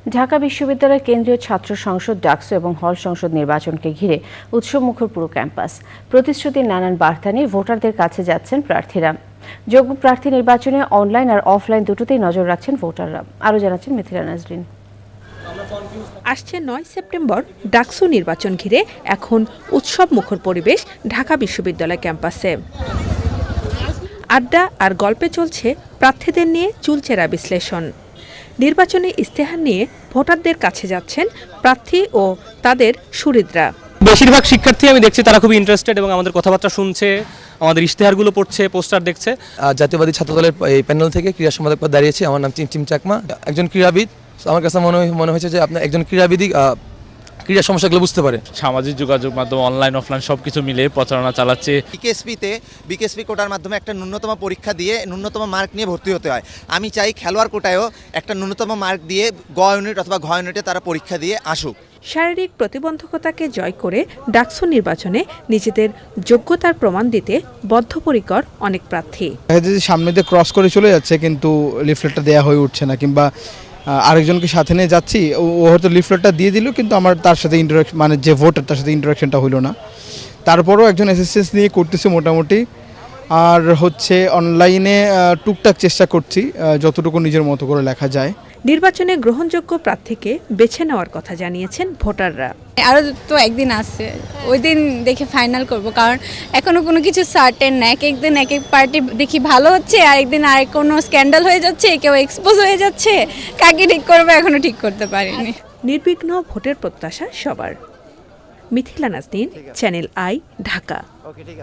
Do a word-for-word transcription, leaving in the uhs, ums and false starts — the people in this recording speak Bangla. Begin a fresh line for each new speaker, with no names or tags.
ঢাকা বিশ্ববিদ্যালয়ের কেন্দ্রীয় ছাত্র সংসদ ডাকসু এবং হল সংসদ নির্বাচনকে ঘিরে উৎসবমুখর পুরো ক্যাম্পাস। প্রতিশ্রুতির নানান বার্তা নিয়ে ভোটারদের কাছে যাচ্ছেন প্রার্থীরা। যোগ্য প্রার্থী নির্বাচনে অনলাইন আর অফলাইন দুটোতেই নজর রাখছেন ভোটাররা। আরও জানাচ্ছেন মিথিলা নাজরিন।
আসছে নয় সেপ্টেম্বর ডাকসু নির্বাচন ঘিরে এখন উৎসব মুখর পরিবেশ ঢাকা বিশ্ববিদ্যালয় ক্যাম্পাসে। আড্ডা আর গল্পে চলছে প্রার্থীদের নিয়ে চুলচেরা বিশ্লেষণ। নির্বাচনী ইস্তেহার নিয়ে ভোটারদের কাছে যাচ্ছেন প্রার্থী ও তাদের সুহৃদরা।
বেশিরভাগ শিক্ষার্থী আমি দেখছি তারা খুবই ইন্টারেস্টেড এবং আমাদের কথাবার্তা শুনছে, আমাদের ইশতেহারগুলো পড়ছে, পোস্টার দেখছে।
জাতীয়বাদী ছাত্র দলের এই প্যানেল থেকে ক্রীড়া সম্পাদক পদে দাঁড়িয়েছি। আমার নাম চিমচিম চাকমা, একজন ক্রীড়াবিদ। আমার কাছে মনে মনে হয়েছে যে আপনার একজন ক্রীড়াবিদই ক্রীড়া সমস্যাগুলো বুঝতে পারে।
সামাজিক যোগাযোগ মাধ্যম অনলাইন অফলাইন সবকিছু মিলে প্রচারণা চালাচ্ছে।
বিকেএসপিতে বিকেএসপি কোটার মাধ্যমে একটা ন্যূনতম পরীক্ষা দিয়ে ন্যূনতম মার্ক নিয়ে ভর্তি হতে হয়। আমি চাই খেলোয়াড় কোটায়ও একটা ন্যূনতম মার্ক দিয়ে গ ইউনিট অথবা ঘ ইউনিটে তারা পরীক্ষা দিয়ে আসুক।
শারীরিক প্রতিবন্ধকতাকে জয় করে ডাকসু নির্বাচনে নিজেদের যোগ্যতার প্রমাণ দিতে বদ্ধপরিকর অনেক প্রার্থী।
সামনে দিয়ে ক্রস করে চলে যাচ্ছে কিন্তু লিফলেটটা দেওয়া হয়ে উঠছে না, কিংবা আরেকজনকে সাথে নিয়ে যাচ্ছি, ও হয়তো লিফলেটটা দিয়ে দিল কিন্তু আমার তার সাথে ইন্টারাকশন, মানে যে ভোটার তার সাথে ইন্টারাকশনটা হইলো না। তারপরও একজন অ্যাসিস্ট্যান্স নিয়ে করতেছে মোটামুটি। আর হচ্ছে অনলাইনে টুকটাক চেষ্টা করছি যতটুকু নিজের মতো করে লেখা যায়।
নির্বাচনে গ্রহণযোগ্য প্রার্থীকে বেছে নেওয়ার কথা জানিয়েছেন ভোটাররা।
আরও তো একদিন আছে, ওই দিন দেখে ফাইনাল করব, কারণ এখনো কোনো কিছু সার্টেন না। এক একদিন এক এক পার্টি দেখি ভালো হচ্ছে, আর একদিন আর কোনো স্ক্যান্ডাল হয়ে যাচ্ছে, কেউ এক্সপোজ হয়ে যাচ্ছে। কাকে ঠিক করবো এখনো ঠিক করতে পারিনি।
নির্বিঘ্ন ভোটের প্রত্যাশা সবার। Mithila Naznin, channel I, Dhaka.